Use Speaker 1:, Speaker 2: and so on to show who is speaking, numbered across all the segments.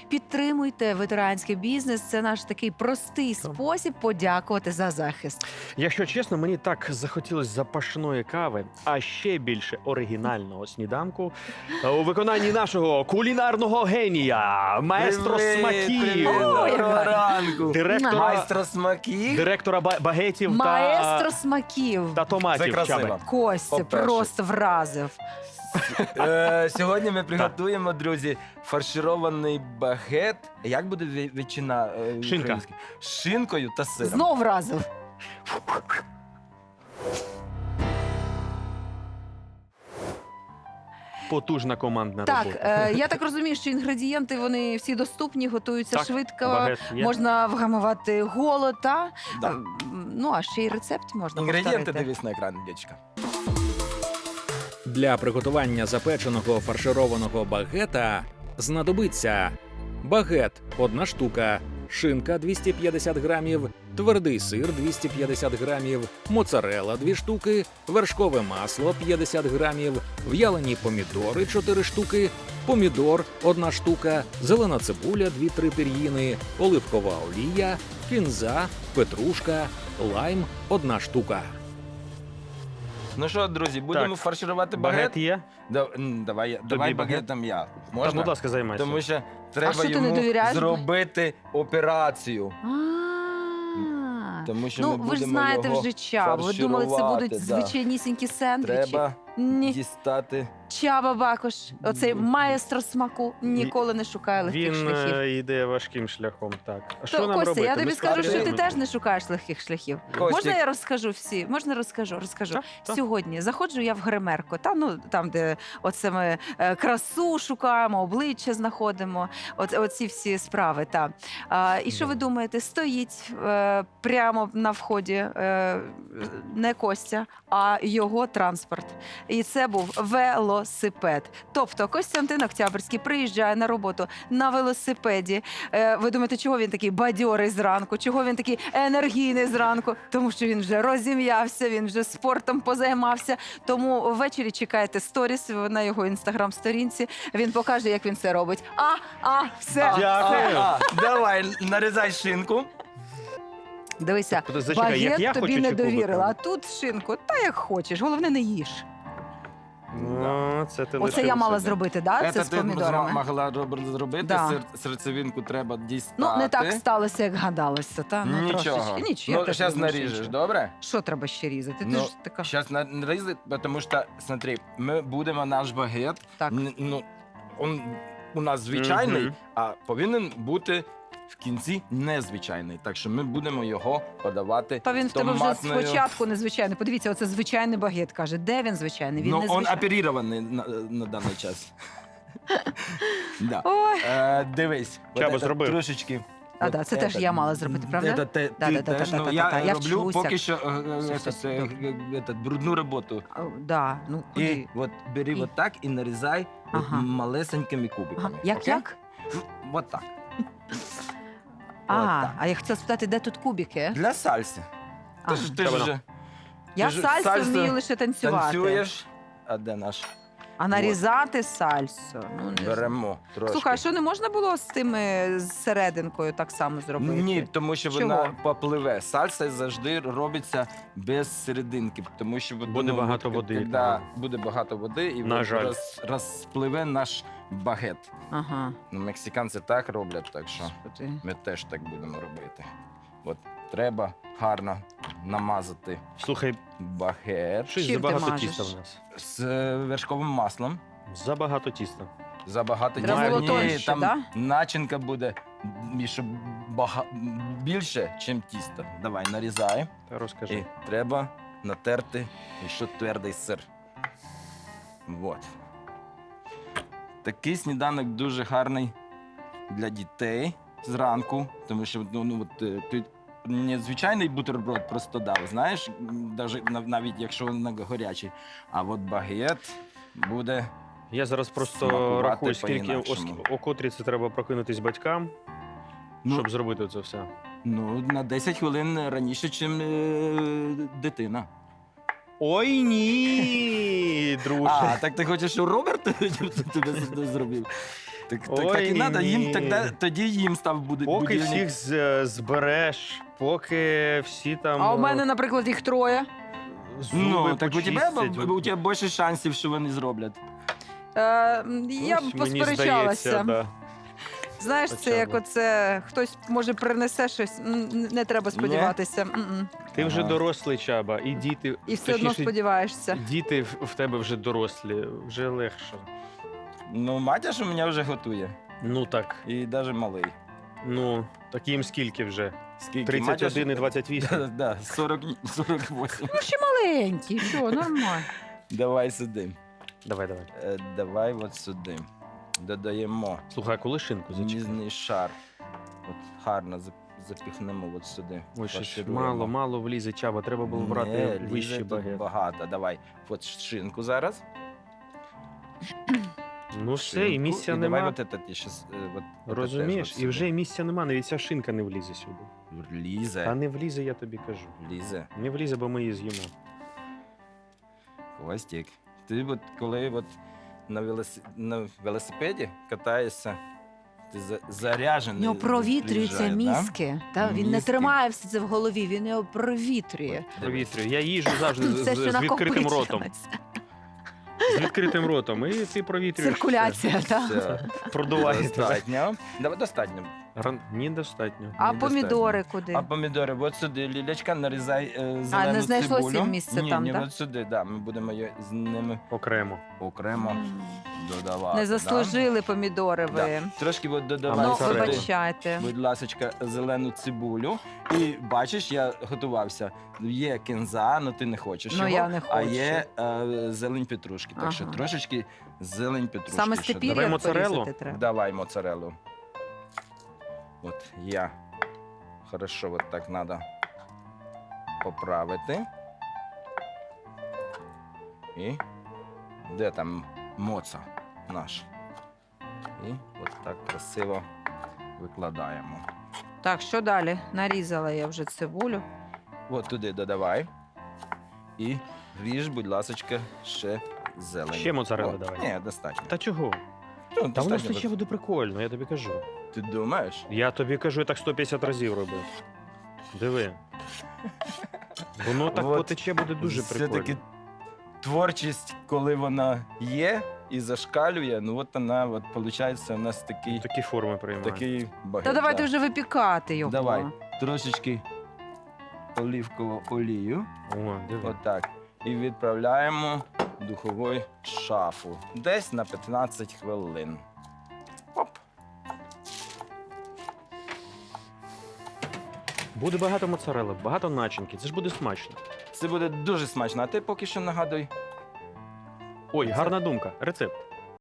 Speaker 1: Підтримуйте ветеранський бізнес. Це наш такий простий спосіб подякувати за захист.
Speaker 2: Якщо чесно, мені так захотілося запашної кави, а ще більше оригінального сніданку у виконанні нашого кулінарного генія, маестро смаків,
Speaker 3: Доброго ранку.
Speaker 2: директора,
Speaker 3: Майстро смаків.
Speaker 2: директора багетів
Speaker 1: Маестро смаків.
Speaker 2: та
Speaker 3: Це
Speaker 2: томатів.
Speaker 3: красиво.
Speaker 2: Чаби.
Speaker 1: Костя
Speaker 3: По-перше.
Speaker 1: просто вразив.
Speaker 3: Сьогодні ми приготуємо, друзі, фарширований багет. Як буде ветчина
Speaker 2: Шинка.
Speaker 3: українською? З шинкою та сиром.
Speaker 1: Знов вразив.
Speaker 2: Потужна командна
Speaker 1: Так,
Speaker 2: робота.
Speaker 1: я так розумію, що інгредієнти вони всі доступні, готуються
Speaker 2: Так,
Speaker 1: швидко.
Speaker 2: багет є.
Speaker 1: Можна вгамувати голод, та?
Speaker 3: Да.
Speaker 1: Ну, а ще й рецепт можна
Speaker 3: Інгредієнти
Speaker 1: повторити.
Speaker 3: дивись на екран, дівчинка.
Speaker 4: Для приготування запеченого фаршированого багета знадобиться багет – 1 штука, шинка – 250 грамів, твердий сир – 250 грамів, моцарелла – 2 штуки, вершкове масло – 50 грамів, в'ялені помідори – 4 штуки, помідор – 1 штука, зелена цибуля – 2-3 пір'їни, оливкова олія, кінза, петрушка, лайм – 1 штука.
Speaker 3: Ну що, друзі, будемо
Speaker 2: Так.
Speaker 3: фарширувати багет?
Speaker 2: Багет є?
Speaker 3: Давай
Speaker 2: багет?
Speaker 3: багетом я.
Speaker 2: Так,
Speaker 3: Можна?
Speaker 2: будь ласка, займайся.
Speaker 3: Тому що треба
Speaker 1: що ти не
Speaker 3: йому
Speaker 1: довіряєш?
Speaker 3: зробити операцію. Тому що
Speaker 1: Ну,
Speaker 3: ми
Speaker 1: ви ж
Speaker 3: будемо
Speaker 1: знаєте
Speaker 3: його
Speaker 1: вже Чабу. Ви думали, це
Speaker 3: фарширувати,
Speaker 1: будуть
Speaker 3: да.
Speaker 1: звичайнісінькі сендвічі?
Speaker 3: Треба
Speaker 1: Ні.
Speaker 3: дістати.
Speaker 1: Чаба Бакош, оцей маестро смаку, ніколи не шукає легких
Speaker 2: Він
Speaker 1: шляхів.
Speaker 2: йде важким шляхом. Так. А що
Speaker 1: То,
Speaker 2: нам
Speaker 1: Костя,
Speaker 2: робити?
Speaker 1: я тобі
Speaker 2: Ми
Speaker 1: скажу, що ти
Speaker 2: спробуємо?
Speaker 1: теж не шукаєш легких шляхів.
Speaker 3: Костік.
Speaker 1: Можна я розкажу всі? Можна розкажу?
Speaker 2: Так, так.
Speaker 1: Сьогодні заходжу я в гримерку, там, де оце ми красу шукаємо, обличчя знаходимо, оці всі справи. І що ви думаєте? Стоїть прямо на вході не Костя, а його транспорт. І це був велосипед. Тобто Костянтин Октябрьський приїжджає на роботу на велосипеді. Ви думаєте, чого він такий бадьорий зранку? Чого він такий енергійний зранку? Тому що він вже розім'явся, він вже спортом позаймався. Тому ввечері чекайте сторіс на його інстаграм-сторінці. Він покаже, як він це робить. Все.
Speaker 2: Дякую.
Speaker 3: Давай, нарізай шинку.
Speaker 1: Дивися,
Speaker 2: Зачекай, як я
Speaker 1: багет тобі
Speaker 2: хочу
Speaker 1: не
Speaker 2: чи кубиком?
Speaker 1: довірила, а тут шинку. Та як хочеш, головне не їж.
Speaker 2: Ну, це ти
Speaker 1: Оце
Speaker 2: лишив
Speaker 1: я мала
Speaker 2: собі.
Speaker 1: зробити, да? Це з
Speaker 3: ти
Speaker 1: помідорами.
Speaker 3: могла зробити,
Speaker 1: Да.
Speaker 3: серцевинку треба дістати.
Speaker 1: Ну, не так сталося, як гадалося, та? Ну,
Speaker 3: Нічого.
Speaker 1: трошечки. Нічого. я
Speaker 3: Ну,
Speaker 1: теж
Speaker 3: зараз
Speaker 1: думаю, що
Speaker 3: наріжеш,
Speaker 1: нічого.
Speaker 3: добре?
Speaker 1: Що треба ще різати? Ти
Speaker 3: Ну,
Speaker 1: ж така.
Speaker 3: Зараз нарізати, тому що, смотри, ми будемо наш багет,
Speaker 1: Так.
Speaker 3: он у нас звичайний,
Speaker 2: Мгм.
Speaker 3: а повинен бути в кінці незвичайний. Так що ми будемо його подавати
Speaker 1: Та він в тебе вже
Speaker 3: томатною...
Speaker 1: спочатку незвичайний. Подивіться, оце звичайний багет, каже. Де він звичайний? Він
Speaker 3: Ну,
Speaker 1: не
Speaker 3: він
Speaker 1: звичайний.
Speaker 3: оперірований на даний час. Да.
Speaker 1: Ой.
Speaker 3: Дивись,
Speaker 2: Чаба
Speaker 3: от це
Speaker 2: зробив.
Speaker 3: трошечки.
Speaker 1: А, да, це теж я мала зробити, правда?
Speaker 3: Ти
Speaker 1: Да-да-да-да-да-да-да.
Speaker 3: теж, ну,
Speaker 1: Я
Speaker 3: я роблю
Speaker 1: вчуся.
Speaker 3: поки що
Speaker 1: Все,
Speaker 3: брудну роботу.
Speaker 1: Да, ну
Speaker 3: І
Speaker 1: куди?
Speaker 3: от бери
Speaker 1: І?
Speaker 3: от так і нарізай от
Speaker 1: Ага.
Speaker 3: малесенькими
Speaker 1: Ага.
Speaker 3: кубиками.
Speaker 1: Як,
Speaker 3: окей?
Speaker 1: як?
Speaker 3: От так.
Speaker 1: А,
Speaker 3: так.
Speaker 1: а я хотіла спитати, де тут кубики?
Speaker 3: Для сальси.
Speaker 1: А,
Speaker 3: Ти
Speaker 2: Чабано.
Speaker 3: ж
Speaker 1: я
Speaker 3: ти ж
Speaker 1: сальсу
Speaker 3: сальсу
Speaker 1: вмію лише танцювати.
Speaker 3: танцюєш, а де наш?
Speaker 1: А нарізати сальсу? Ну, не знаю.
Speaker 3: Беремо трошки.
Speaker 1: Слухай, а що не можна було з тими з серединкою так само зробити?
Speaker 3: Ні, тому що
Speaker 1: Чого?
Speaker 3: вона попливе. Сальса завжди робиться без серединки, тому що
Speaker 2: Буде багато води,
Speaker 3: Коли
Speaker 2: так.
Speaker 3: буде багато води, і
Speaker 2: На
Speaker 3: от
Speaker 2: жаль.
Speaker 3: розпливе наш багет.
Speaker 1: Ага.
Speaker 3: Ну, мексиканці так роблять, так що
Speaker 1: Господи.
Speaker 3: ми теж так будемо робити. От треба гарно намазати
Speaker 2: Слухай,
Speaker 3: багет
Speaker 2: щось
Speaker 1: Чим ти
Speaker 2: забагато
Speaker 1: мажеш?
Speaker 2: тіста в нас.
Speaker 3: з вершковим маслом.
Speaker 2: Забагато тіста.
Speaker 3: Забагато
Speaker 1: Треба
Speaker 2: було
Speaker 3: Ні,
Speaker 1: тоньше,
Speaker 3: там
Speaker 1: да?
Speaker 3: начинка буде щоб більше, ніж тісто. Давай, нарізай.
Speaker 2: Та розкажи.
Speaker 3: І треба натерти ще твердий сир. Вот. Такий сніданок дуже гарний для дітей зранку, тому що ти незвичайний бутерброд просто дав, знаєш, навіть якщо він гарячий. А от багет буде.
Speaker 2: Я зараз просто
Speaker 3: Смакувати
Speaker 2: рахую, скільки
Speaker 3: по-інакшому.
Speaker 2: о котрій це треба прокинутись батькам,
Speaker 3: Ну,
Speaker 2: щоб зробити це все.
Speaker 3: Ну, на 10 хвилин раніше, ніж дитина.
Speaker 2: Ой, ні, друже.
Speaker 3: А, так ти хочеш, щоб Роберт тебе зробив? Так
Speaker 2: Ой,
Speaker 3: і треба, їм
Speaker 2: ні.
Speaker 3: тоді їм став буде
Speaker 2: Поки
Speaker 3: будильник.
Speaker 2: всіх збереш, поки всі там
Speaker 1: А у мене, наприклад, їх троє.
Speaker 2: зуби
Speaker 3: Ну, так
Speaker 2: почистять.
Speaker 3: у тебе більше шансів, що вони зроблять.
Speaker 1: Я б
Speaker 2: Ось, мені
Speaker 1: посперечалася.
Speaker 2: здається, да.
Speaker 1: Знаєш,
Speaker 2: Хоча
Speaker 1: це як
Speaker 2: б.
Speaker 1: оце, хтось може принесе щось, не треба сподіватися. М-м.
Speaker 2: Ти вже
Speaker 3: Ага.
Speaker 2: дорослий, Чаба, і діти,
Speaker 1: І все одно
Speaker 2: точніше,
Speaker 1: сподіваєшся.
Speaker 2: діти в тебе вже дорослі, вже легше.
Speaker 3: Ну, матір у мене вже готує.
Speaker 2: Ну так,
Speaker 3: І навіть малий.
Speaker 2: ну, так їм скільки вже?
Speaker 3: Скільки?
Speaker 2: 31 і 28?
Speaker 3: Да, 48.
Speaker 1: Ну, ще маленький, що, нормально.
Speaker 3: Давай сюди.
Speaker 2: Давай, давай.
Speaker 3: Давай от сюди. Додаємо
Speaker 2: Слухай, а коли шинку зачекай?
Speaker 3: ніжний шар. От гарно запіхнемо от сюди.
Speaker 2: Ой, щось
Speaker 3: Фаршируємо.
Speaker 2: мало влізе, Чаба, треба було брати
Speaker 3: Не, лізе
Speaker 2: вищий
Speaker 3: тут
Speaker 2: багет.
Speaker 3: багато. Давай. От шинку зараз.
Speaker 2: Ну все, і
Speaker 3: Шинку.
Speaker 2: місця
Speaker 3: І
Speaker 2: нема.
Speaker 3: Давай от це ти щас, от
Speaker 2: Розумієш?
Speaker 3: це теж
Speaker 2: І
Speaker 3: от
Speaker 2: вже місця нема, навіть ця шинка не влізе сюди.
Speaker 3: сюди. Лізе.
Speaker 2: Та не влізе, я тобі кажу.
Speaker 3: Лізе.
Speaker 2: Не влізе, бо ми її з'їмо.
Speaker 3: Костік. Ти от коли от на велосипеді катаєшся, ти
Speaker 1: У
Speaker 3: заряджений.
Speaker 1: нього провітрюються
Speaker 3: приїжджає, да?
Speaker 1: мізки. Та, він не
Speaker 3: Мізки.
Speaker 1: тримає все це в голові, він його провітрює.
Speaker 2: Провітрюю. Я їжджу завжди
Speaker 1: Все, що
Speaker 2: з відкритим ротом.
Speaker 1: накопичилось.
Speaker 2: З відкритим ротом. І ти провітрюєш.
Speaker 1: Циркуляція, так.
Speaker 3: Все.
Speaker 2: Продувається.
Speaker 3: Достатньо. Давай достатньо.
Speaker 2: Ні, достатньо.
Speaker 1: А
Speaker 3: Недостатньо.
Speaker 1: помідори куди?
Speaker 3: А помідори, от сюди, Лілечка, нарізай зелену
Speaker 1: не знайшлося
Speaker 3: цибулю.
Speaker 1: місця
Speaker 3: ні,
Speaker 1: там,
Speaker 3: ні,
Speaker 1: да?
Speaker 3: от сюди, да, ми будемо її з ними
Speaker 2: Окремо.
Speaker 3: окремо
Speaker 1: М.
Speaker 3: додавати.
Speaker 1: Не заслужили помідори ви.
Speaker 3: Да. Трошки от додавай
Speaker 1: Ну,
Speaker 2: Давай,
Speaker 3: сюди,
Speaker 1: вибачайте.
Speaker 3: будь ласочка, зелену цибулю. І бачиш, я готувався. Є кінза, але ти не хочеш
Speaker 1: Ну,
Speaker 3: його,
Speaker 1: я не
Speaker 3: а
Speaker 1: хочу.
Speaker 3: є зелень петрушки. Так що
Speaker 1: Ага.
Speaker 3: трошечки зелень петрушки.
Speaker 1: Саме
Speaker 3: ще
Speaker 1: степір'я
Speaker 2: Давай моцареллу?
Speaker 1: порізати треба.
Speaker 3: Давай моцареллу. От я. Хорошо, вот так надо поправити. І де там моца наш? І от так красиво викладаємо.
Speaker 1: Так, що далі? Нарізала я вже цибулю.
Speaker 3: От туди додавай. І ріж, будь ласочка, ще зелень.
Speaker 2: Ще моцарелли
Speaker 3: О,
Speaker 2: давай.
Speaker 3: Ні, достатньо.
Speaker 2: Та чого?
Speaker 3: Ну,
Speaker 2: Та воно
Speaker 3: достатньо.
Speaker 2: ще буде прикольно, я тобі кажу.
Speaker 3: Ти думаєш?
Speaker 2: Я тобі кажу, я так 150 разів робив. Диви. Воно так
Speaker 3: От.
Speaker 2: потече, буде дуже прикольно.
Speaker 3: Все-таки творчість, коли вона є і зашкалює, ну от вона, от, виходить, у нас такий,
Speaker 2: Такі форми приймає.
Speaker 3: такий багет.
Speaker 1: Та давайте
Speaker 3: да.
Speaker 1: вже випікати його.
Speaker 3: Давай. Трошечки оливкову олію,
Speaker 2: О, диви.
Speaker 3: отак. І відправляємо в духову шафу. Десь на 15 хвилин. Оп.
Speaker 2: Буде багато моцарели, багато начинки. Це ж буде смачно.
Speaker 3: Це буде дуже смачно. А ти поки що нагадуй.
Speaker 2: Ой, гарна думка. Рецепт.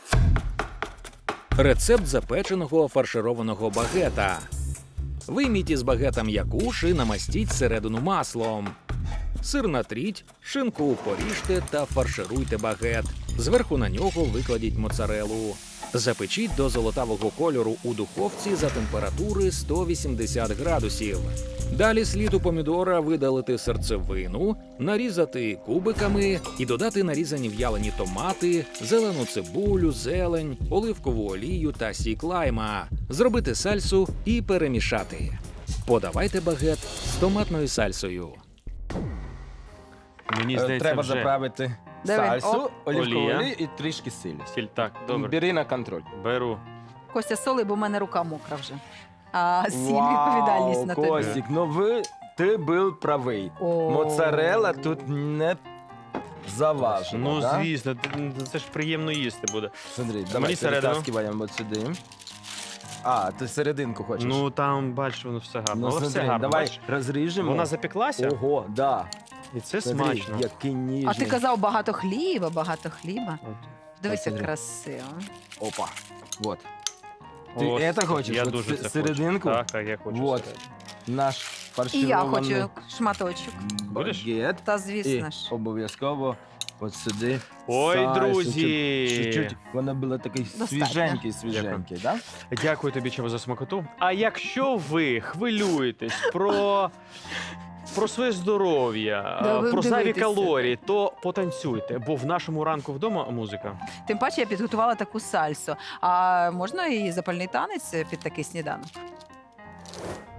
Speaker 4: Рецепт запеченого фаршированого багета. Вийміть із багета м'якуш і намастіть середину маслом. Сир натріть, шинку поріжте та фаршируйте багет. Зверху на нього викладіть моцарелу. Запечіть до золотавого кольору у духовці за температури 180 градусів. Далі слід у помідора видалити серцевину, нарізати кубиками і додати нарізані в'ялені томати, зелену цибулю, зелень, оливкову олію та сік лайма. Зробити сальсу і перемішати. Подавайте багет з томатною сальсою.
Speaker 2: Мені здається,
Speaker 3: Треба
Speaker 2: вже.
Speaker 3: заправити
Speaker 1: Давай.
Speaker 3: сальсу,
Speaker 1: Оп.
Speaker 3: оливкову
Speaker 2: Олія.
Speaker 3: олію і трішки сілі.
Speaker 2: Сіль, так, добре.
Speaker 3: Бери на контроль.
Speaker 2: Беру.
Speaker 1: Костя, соли, бо в мене рука мокра вже. А сіль відповідальність на тобі.
Speaker 3: Костік, ну ти був правий.
Speaker 1: О.
Speaker 3: Моцарелла тут не заважена.
Speaker 2: Ну,
Speaker 3: да?
Speaker 2: звісно, це ж приємно їсти буде.
Speaker 3: Смотри,
Speaker 2: Мені
Speaker 3: давай
Speaker 2: середину.
Speaker 3: перетаскиваємо от сюди. А, ти серединку хочеш?
Speaker 2: Ну там, бачиш, воно все гарно.
Speaker 3: Ну,
Speaker 2: Але все
Speaker 3: смотри,
Speaker 2: гарно.
Speaker 3: давай
Speaker 2: бачиш?
Speaker 3: розріжемо.
Speaker 2: Вона запеклася,
Speaker 3: Ого, да.
Speaker 2: і це
Speaker 3: Смотри,
Speaker 2: смачно.
Speaker 3: який ніжний.
Speaker 1: А ти казав багато хліба, багато хліба.
Speaker 2: От.
Speaker 1: Дивись, як
Speaker 3: Смотри.
Speaker 1: красиво.
Speaker 3: Опа. Вот. Ти
Speaker 2: Ось,
Speaker 3: це хочеш?
Speaker 2: Я
Speaker 3: От
Speaker 2: дуже це
Speaker 3: серединку?
Speaker 2: хочу. Так, я хочу.
Speaker 3: Вот.
Speaker 2: серединку.
Speaker 3: Наш
Speaker 1: І
Speaker 3: фарширований
Speaker 1: я хочу шматочок.
Speaker 2: Будеш?
Speaker 3: багет.
Speaker 1: Та
Speaker 3: І
Speaker 1: звісно ж.
Speaker 3: обов'язково от сюди.
Speaker 2: Ой,
Speaker 3: сальсу,
Speaker 2: друзі!
Speaker 3: Чуть-чуть. Вона була такий
Speaker 1: Достатньо.
Speaker 3: свіженький, да?
Speaker 2: Дякую тобі, Чаба, за смакоту. А якщо ви хвилюєтесь про про своє здоров'я,
Speaker 1: Да, ви
Speaker 2: про зайві
Speaker 1: дивитеся.
Speaker 2: калорії, то потанцюйте, бо в нашому ранку вдома музика.
Speaker 1: Тим паче я підготувала таку сальсу. А можна і запальний танець під такий сніданок?